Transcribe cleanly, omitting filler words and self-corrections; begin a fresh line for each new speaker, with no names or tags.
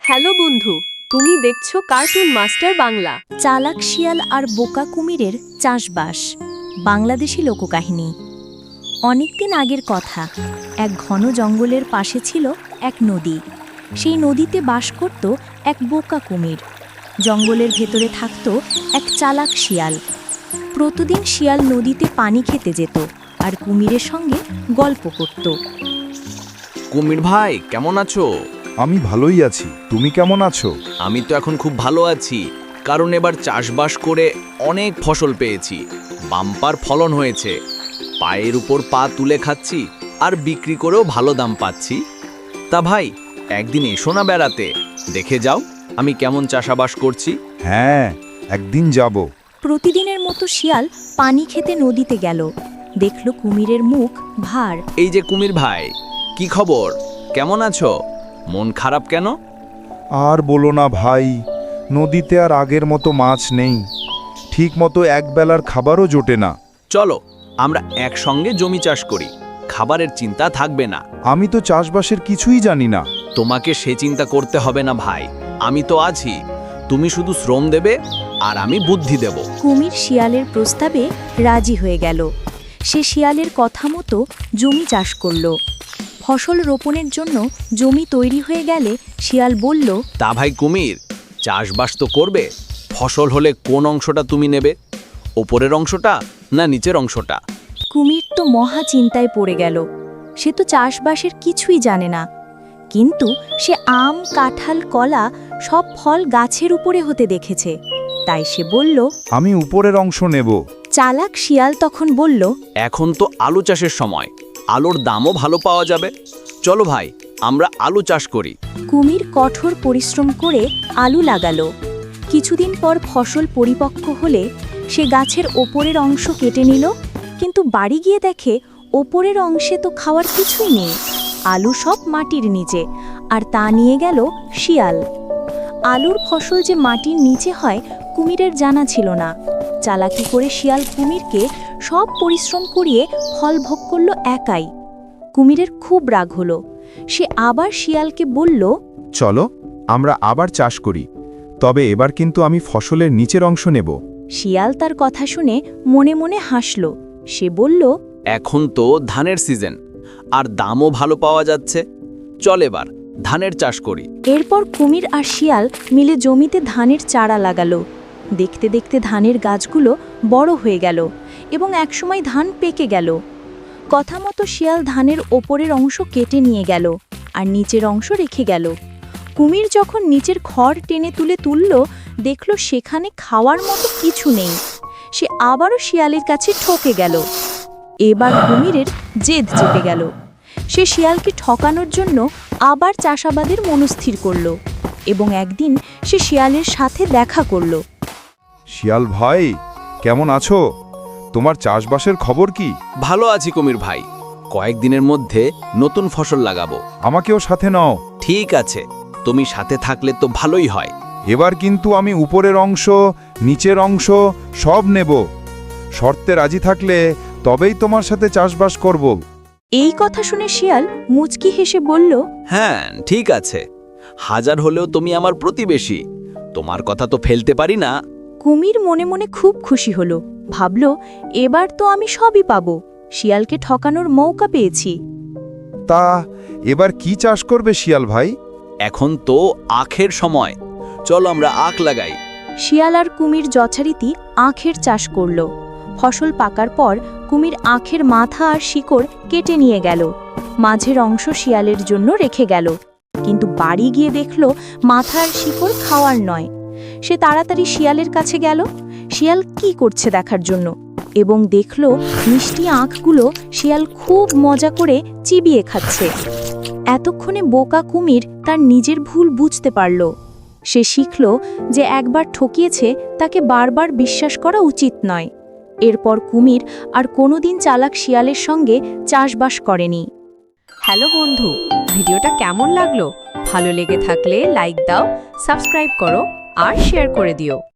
Hello বন্ধু, তুমি দেখছো কার্টুন মাস্টার বাংলা।
চালাক শিয়াল আর বোকা কুমিরের চাষবাস। বাংলাদেশি লোককাহিনী। অনেকদিন আগের কথা, এক ঘন জঙ্গলের পাশে ছিল এক নদী। সেই নদীতে বাস করত এক বোকা কুমির। জঙ্গলের ভেতরে থাকত এক চালাক শিয়াল। প্রতিদিন শিয়াল নদীতে পানি খেতে যেত আর কুমিরের সঙ্গে গল্প করত।
কুমির ভাই, কেমন আছো?
আমি ভালোই আছি। তুমি কেমন আছো?
আমি তো এখন খুব ভালো আছি, কারণ এবার চাষবাস করে অনেক ফসল পেয়েছি। বাম্পার ফলন হয়েছে। পায়ের উপর পা তুলে খাচ্ছি আর বিক্রি করেও ভালো দাম পাচ্ছি। তা ভাই, একদিন এসো না বেড়াতে, দেখে যাও আমি কেমন চাষাবাস করছি।
হ্যাঁ, একদিন যাব।
প্রতিদিনের মতো শিয়াল পানি খেতে নদীতে গেল। দেখল কুমিরের মুখ ভার।
এই যে কুমির ভাই, কি খবর? কেমন আছো? মন খারাপ কেন?
আর বলো না ভাই, নদীতে আর আগের মতো মাছ নেই। ঠিক মতো একবেলার খাবারও জোটে না।
চলো আমরা একসঙ্গে জমি চাষ করি, খাবারের চিন্তা থাকবে না।
আমি তো চাষবাসের কিছুই জানি না।
তোমাকে সে চিন্তা করতে হবে না ভাই, আমি তো আছি। তুমি শুধু শ্রম দেবে আর আমি বুদ্ধি দেব।
কুমির শিয়ালের প্রস্তাবে রাজি হয়ে গেল। সে শিয়ালের কথা মতো জমি চাষ করল। ফসল রোপণের জন্য জমি তৈরি হয়ে গেলে শিয়াল বলল,
তা ভাই কুমির, চাষবাস তো করবে, ফসল হলে কোন অংশটা তুমি নেবে? ওপরের অংশটা না নিচের অংশটা?
কুমির তো মহা চিন্তায় পড়ে গেল। সে তো চাষবাসের কিছুই জানে না, কিন্তু সে আম, কাঁঠাল, কলা সব ফল গাছের উপরে হতে দেখেছে। তাই সে বলল,
আমি উপরের অংশ নেব।
চালাক শিয়াল তখন বলল,
এখন তো আলু চাষের সময়, আলুর দামও ভালো পাওয়া যাবে। চলো ভাই, আমরা আলু চাষ করি।
কুমির কঠোর পরিশ্রম করে আলু লাগালো। কিছুদিন পর ফসল পরিপক্ক হলে সে গাছের ওপরের অংশ কেটে নিল, কিন্তু বাড়ি গিয়ে দেখে ওপরের অংশে তো খাওয়ার কিছুই নেই। আলু সব মাটির নিচে, আর তা নিয়ে গেল শিয়াল। আলুর ফসল যে মাটির নিচে হয় কুমিরের জানা ছিল না। চালাকি করে শিয়াল কুমিরকে সব পরিশ্রম করিয়ে ফল ভোগ করল একাই। কুমিরের খুব রাগ হলো। সে আবার শিয়ালকে বলল,
চলো আমরা আবার চাষ করি, তবে এবার কিন্তু আমি ফসলের নিচের অংশ নেব।
শিয়াল তার কথা শুনে মনে মনে হাসল। সে বলল,
এখন তো ধানের সিজন, আর দামও ভালো পাওয়া যাচ্ছে। চল এবার ধানের চাষ করি।
এরপর কুমির আর শিয়াল মিলে জমিতে ধানের চারা লাগালো। দেখতে দেখতে ধানের গাছগুলো বড় হয়ে গেল এবং একসময় ধান পেকে গেল। কথা মতো শিয়াল ধানের ওপরের অংশ কেটে নিয়ে গেল আর নিচের অংশ রেখে গেল। কুমির যখন নিচের খড় টেনে তুলল, দেখল সেখানে খাওয়ার মতো কিছু নেই। সে আবারও শিয়ালের কাছে ঠকে গেল। এবার কুমিরের জেদ চেপে গেল। সে শিয়ালকে ঠকানোর জন্য আবার চাষাবাদের মনস্থির করল এবং একদিন সে শিয়ালের সাথে দেখা করল।
শিয়াল ভাই, কেমন আছো? তোমার চাষবাসের খবর কি?
ভালো আছি কুমির ভাই, কয়েকদিনের মধ্যে নতুন ফসল লাগাবো।
আমাকেও সাথে নাও।
ঠিক আছে, তুমি সাথে থাকলে তো ভালোই হয়।
এবার কিন্তু আমি উপরের অংশ, নিচের অংশ সব নেব। শর্তে রাজি থাকলে তবেই তোমার সাথে চাষবাস করব।
এই কথা শুনে শিয়াল মুচকি হেসে বলল,
হ্যাঁ ঠিক আছে, হাজার হলেও তুমি আমার প্রতিবেশী, তোমার কথা তো ফেলতে পারি না।
কুমির মনে মনে খুব খুশি হলো। ভাবল, এবার তো আমি সবই পাবো। শিয়ালকে ঠকানোর মৌকা পেয়েছি।
তা এবার কি চাষ করবে শিয়াল ভাই?
এখন তো আখের সময়, চলো আমরা আখ লাগাই।
শিয়াল আর কুমির যথারীতি আখের চাষ করল। ফসল পাকার পর কুমির আখের মাথা আর শিকড় কেটে নিয়ে গেল। মাঝের অংশ শিয়ালের জন্য রেখে গেল, কিন্তু বাড়ি গিয়ে দেখল মাথা আর শিকড় খাওয়ার নয়। সে তাড়াতাড়ি শিয়ালের কাছে গেল শিয়াল কি করছে দেখার জন্য, এবং দেখল মিষ্টি আখগুলো শিয়াল খুব মজা করে চিবিয়ে খাচ্ছে। এতক্ষণে বোকা কুমির তার নিজের ভুল বুঝতে পারল। সে শিখল যে একবার ঠকিয়েছে তাকে বারবার বিশ্বাস করা উচিত নয়। এরপর কুমির আর কোনোদিন চালাক শিয়ালের সঙ্গে চাষবাস করেনি।
হ্যালো বন্ধু, ভিডিওটা কেমন লাগলো? ভালো লেগে থাকলে লাইক দাও, সাবস্ক্রাইব করো আর শেয়ার করে দিও।